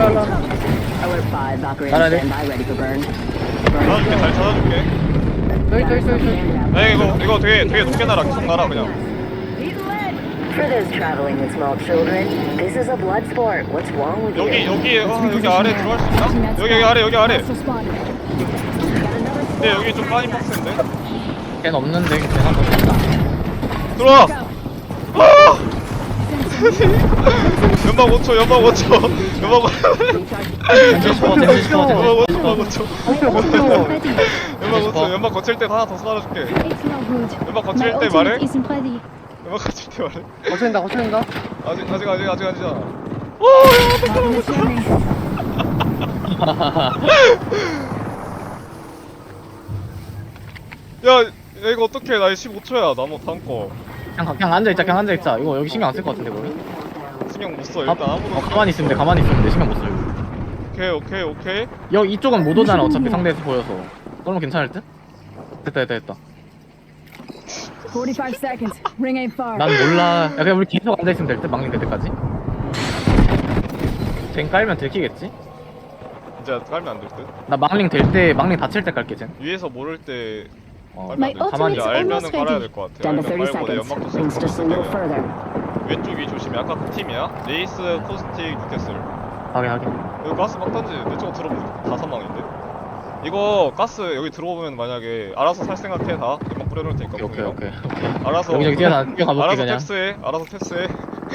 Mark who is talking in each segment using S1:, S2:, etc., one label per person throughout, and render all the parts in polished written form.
S1: Alert 5, Valkyrie
S2: Alright.
S1: standby, ready for burn.
S3: 찾아줄게, 잘 찾아줄게. 에이, 이거 되게 높게 날아. 계속 날아, 그냥.
S1: For those traveling with small children, this is a blood sport. What's wrong with you?
S3: 여기 아래 들어갈 수 있나? 여기 아래. 근데 여기 좀 빠진 박스인데?
S2: 걘 없는데 걔 하나 더 있다.
S3: 들어와! 연막 5초. 연막 5초. 연막 5초. 연막 거칠 때 하나 더 쏴줄게. 연막 거칠 때 말해? 연막 거칠 때 말해?
S4: 거쳐낸다.
S3: 아직 아니잖아. 야, 이거 어떡해. 나 15초야. 나무 다음 거.
S2: 그냥 앉아있자. 이거 여기 신경 안 쓸 것 같은데 거기?
S3: 신경 못 써. 일단 아무도.
S2: 가만히 있으면 돼 신경 못 써. 이거.
S3: 오케이.
S2: 여기 이쪽은 못 오잖아 어차피 상대에서 보여서. 그러면 괜찮을 듯? 됐다.
S5: 45 seconds. Ring ain't far.
S2: 난 몰라. 야 그냥 우리 계속 앉아있으면 될 듯? 막ning 될 때까지? 젠 깔면 들키겠지?
S3: 이제 깔면 안 될 듯.
S2: 나 막ling 될 때, 막ling 닫힐 때 깔게 젠.
S3: 위에서 모를 때
S5: My
S2: 가만히
S5: ultimate's
S3: 알면은
S5: almost
S3: 깔아야
S5: ready.
S3: 될 것 같아.
S1: Down to 30
S3: 알면 말고 내
S1: seconds.
S3: 연막도
S1: Rings just a little
S3: 쓰고
S1: further.
S3: 왼쪽이 조심해. 아까 그 팀이야. 레이스, 코스틱, 뉴캐슬.
S2: 하게.
S3: 여기 가스 막 던지. 내 쪽으로 들어오면 다 사망인데. 이거 가스 여기 들어오면 만약에 알아서 살 생각해 다. 연막 뿌려놓을 테니까.
S2: 오케이.
S3: 알아서
S2: 여기저기 뛰어가볼게
S3: 알아서
S2: 그냥.
S3: 알아서 탭스해.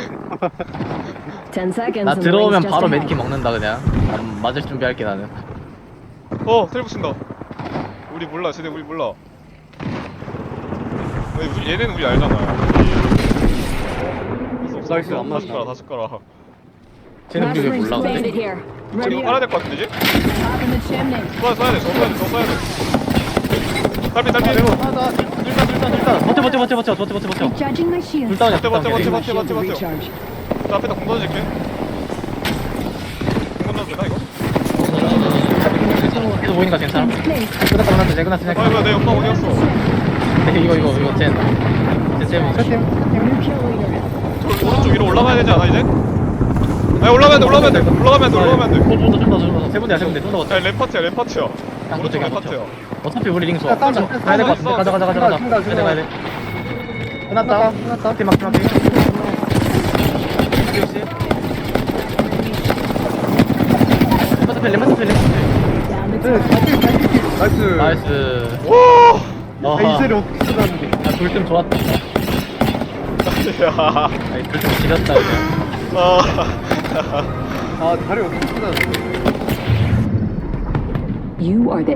S1: 10 seconds.
S2: 나
S1: and the
S2: 들어오면
S1: ring's just
S2: 바로
S1: ahead.
S2: 메디킷 먹는다 그냥. 난 맞을 준비할게 나는.
S3: 텔 붙인다. 우리 몰라. 쟤네 우리 몰라. 얘네는 우리 알잖아.
S4: 나이스, 안
S3: 다시
S4: 맞았다.
S3: 다시 깔아.
S2: 쟤는 우리 왜
S5: Last
S2: 몰라
S5: ring's banded
S2: 근데?
S5: here.
S3: 이거
S5: Ready
S3: 깔아야
S5: up.
S3: 될 것 같은데 이제?
S5: Top in the chimney.
S3: 써야 돼. 딸피.
S2: 버텨.
S5: Recharging my shield.
S2: 둘 다운이야.
S3: 버텨.
S5: Recharge.
S3: 저 앞에다 공 던질게. 공 던져도 되나 이거?
S2: 계속 보이니까 괜찮아.
S5: Place.
S2: 끝났어.
S3: 이거 내 연막 어디 갔어?
S2: 이거 젠
S5: New kill leader.
S3: 저 오른쪽 위로 올라가야 되지 않아 이제? 아니 올라가면 돼.
S2: 좀더 세 군데야 좀더 버텨.
S3: 야 램파트야.
S2: 그냥
S3: 오른쪽
S2: 버텨.
S3: 램파트야.
S2: 어차피 우리 링 좋아.
S4: 야, 다운이야.
S2: 가야 될 것 같은데. 가자. 가야 돼. 끝났다. 팀 막. 레몬스펠.
S5: Down to 10.
S4: 나이스.
S3: 오!
S4: 이세를 어떻게 쓰다는데.
S2: 돌좀 좋았다.
S3: 야.
S2: 돌좀 지렸다 그냥.
S4: 다리 어떻게 쓰다는데.
S1: You are the